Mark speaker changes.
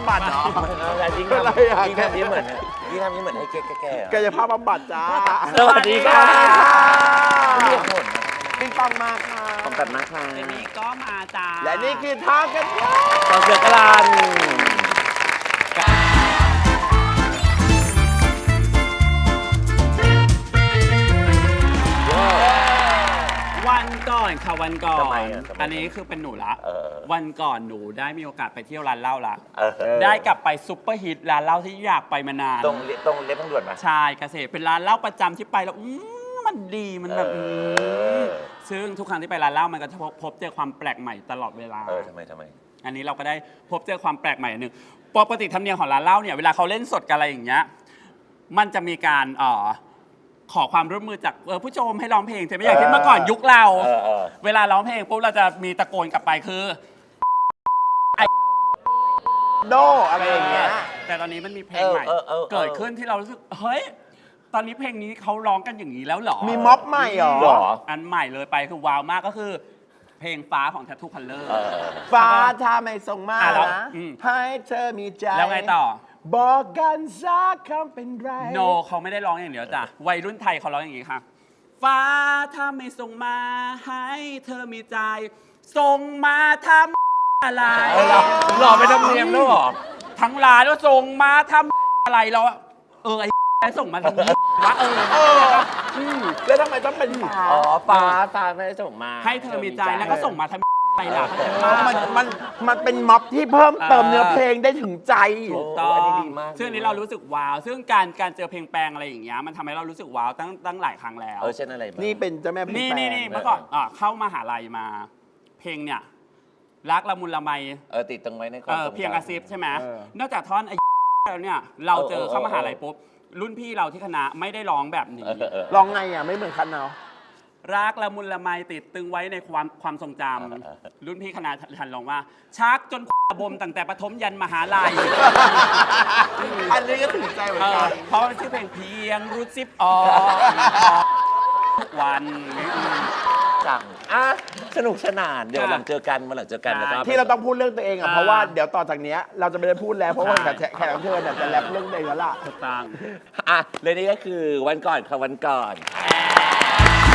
Speaker 1: ำบัดเหรอ
Speaker 2: ยิ่ง
Speaker 1: อะไรอ่ะ
Speaker 2: ทำนี้เหมือนให้แก่
Speaker 1: กายภาพบำบัดจ้า
Speaker 2: สวัสดีค่ะ
Speaker 1: เรี
Speaker 2: เรี
Speaker 1: ย
Speaker 2: ย
Speaker 1: ก
Speaker 2: ก
Speaker 1: ห
Speaker 2: ห
Speaker 1: ม
Speaker 2: ม
Speaker 1: ด
Speaker 2: ด
Speaker 1: ปิงปองมาค่ะ
Speaker 2: ผมตัดนะคะ
Speaker 3: เจนนี่ก็มาจ้า
Speaker 1: และนี่คือทางกันยา
Speaker 2: ตอนเสือกลัน
Speaker 3: วันก่อนค่ะวันก่อน
Speaker 2: ทำไมอ่ะ
Speaker 3: อันนี้คือเป็นหนูละ
Speaker 2: เออ
Speaker 3: วันก่อนหนูได้มีโอกาสไปเที่ยวร้านเหล้าละ
Speaker 2: ได้
Speaker 3: ได้กลับไปซุปเปอร์ฮิตร้านเหล้าที่อยากไปมานาน
Speaker 2: ตรงเล็บทางด่วนมา
Speaker 3: ชายเกษตรเป็นร้านเหล้าประจำที่ไปแล้วมันดีมันแบบ
Speaker 2: อ
Speaker 3: ซึ่งทุกครั้งที่ไปร้านเหล้ามันก็จะพบเจอความแปลกใหม่ตลอดเวลา
Speaker 2: ทำไม
Speaker 3: อันนี้เราก็ได้พบเจอความแปลกใหม่อันหนึ่งปกติธรรมเนียมของร้านเหล้าเนี่ยเวลาเขาเล่นสดกันอะไรอย่างเงี้ยมันจะมีการขอความร่วมมือจากผู้ชมให้ร้องเพลงใช่ไหมอย่างที่เมื่อก่อนยุคเรา เวลาร้องเพลงปุ๊บเราจะมีตะโกนกลับไปคือ
Speaker 1: โดอะไรอย่างเงี้ย
Speaker 3: แต่ตอนนี้มันมีเพลงใหม่ เกิดขึ้นที่เรารู้สึกเฮ้ยตอนนี้เพลงนี้เขาร้องกันอย่างนี้แล้วเหรอ
Speaker 1: มีม็อบใหม่เหรอ
Speaker 2: หรอ
Speaker 3: อันใหม่เลยไปคือว้าวมากก็คือ เพลงฟ้าของ Tattoo Color
Speaker 1: ฟ้าถ้าไม่ส่งมา
Speaker 3: แล้ว
Speaker 1: นะ
Speaker 3: อืม
Speaker 1: ให้เธอมีใจ
Speaker 3: แล้วไงต่อ
Speaker 1: บอกกันสักคำเป็นไร
Speaker 3: โนเขาไม่ได้ร้องอย่างเดียวจ้ะวัยรุ่นไทยเขาร้องอย่างนี้ค่ะฟ้าถ้าไม่ส่งมาให้เธอมีใจ ส่งมาทำอะไร
Speaker 2: หล่อไปทำเนียมแล้วหรอ
Speaker 3: ทั้งร้านก็ส่งมาทำอะไรเราไอ้ส่งมาทำนี้วะ
Speaker 1: แล้วทำไมต้องเป็นฟ้า
Speaker 2: ฟ้าไม่ได้ส่งมา
Speaker 3: ให้เธอมีใจแล้วก็ส่งมาทำอะไรล่ะเข้าใจปะ
Speaker 1: มันเป็นม็อบที่เพิ่มเติมเนื้อเพลงได้ถึงใจ
Speaker 3: ถูกต้อง
Speaker 2: อันนี้ดีมาก
Speaker 3: ซึ่งอันนี้เรารู้สึกว้าว ซึ่งการเจอเพลงแปลงอะไรอย่างเงี้ยมันทำให้เรารู้สึกว้าวตั้งหลายครั้งแล้ว
Speaker 2: เช่นอะไรบ้าง
Speaker 1: นี่เป็นเจ้าแม่เพลง
Speaker 3: นี่
Speaker 1: แปล
Speaker 3: นี่
Speaker 1: ง
Speaker 3: นี่เมื่อก่อนเข้ามหาลัยมา เพลงเนี่ยรักละมุนละไม
Speaker 2: ติดตรงไว้ในความทรงจำ
Speaker 3: เพียงกระซิบใช่ไหม
Speaker 1: เออ
Speaker 3: นอกจากท่อนแล้วเนี่ยเราเจอเข้ามหาลัย
Speaker 2: เออ
Speaker 3: ปุ๊บรุ่นพี่เราที่คณะไม่ได้ร้องแบบนี้
Speaker 1: ร้องไงอ่ะ ไม่เหมือนคันเนาะ
Speaker 3: รักละมุนละไมติดตึงไว้ในความทรงจำรุ่นพี่คณะทันร้องว่า ชักจนบมตั้งแต่ประถมยันมหาลัย
Speaker 1: อันนี้ก็ถึงใจเหมือนกัน
Speaker 3: เพราะมันชื่อเพลงเพียงรูดซิปออกทุกวัน
Speaker 2: จังสนุกสนาน เดี๋ยวหลังเจอกันมาหลังเจอกันแล้วก็
Speaker 1: ที่เราต้องพูดเรื่องตัวเองอ่ะ เพราะว่าเดี๋ยวต่อจากเนี้ยเราจะไม่ได้พูดแล้ว เพราะว่าแขกรับเชิญเนี่ยจะแรปเรื่องตัวเองแล้วล่ะ
Speaker 3: ถูกต้อง
Speaker 2: เลยนี่ก็คือวันก่อนค่ะวันก่อน
Speaker 3: แ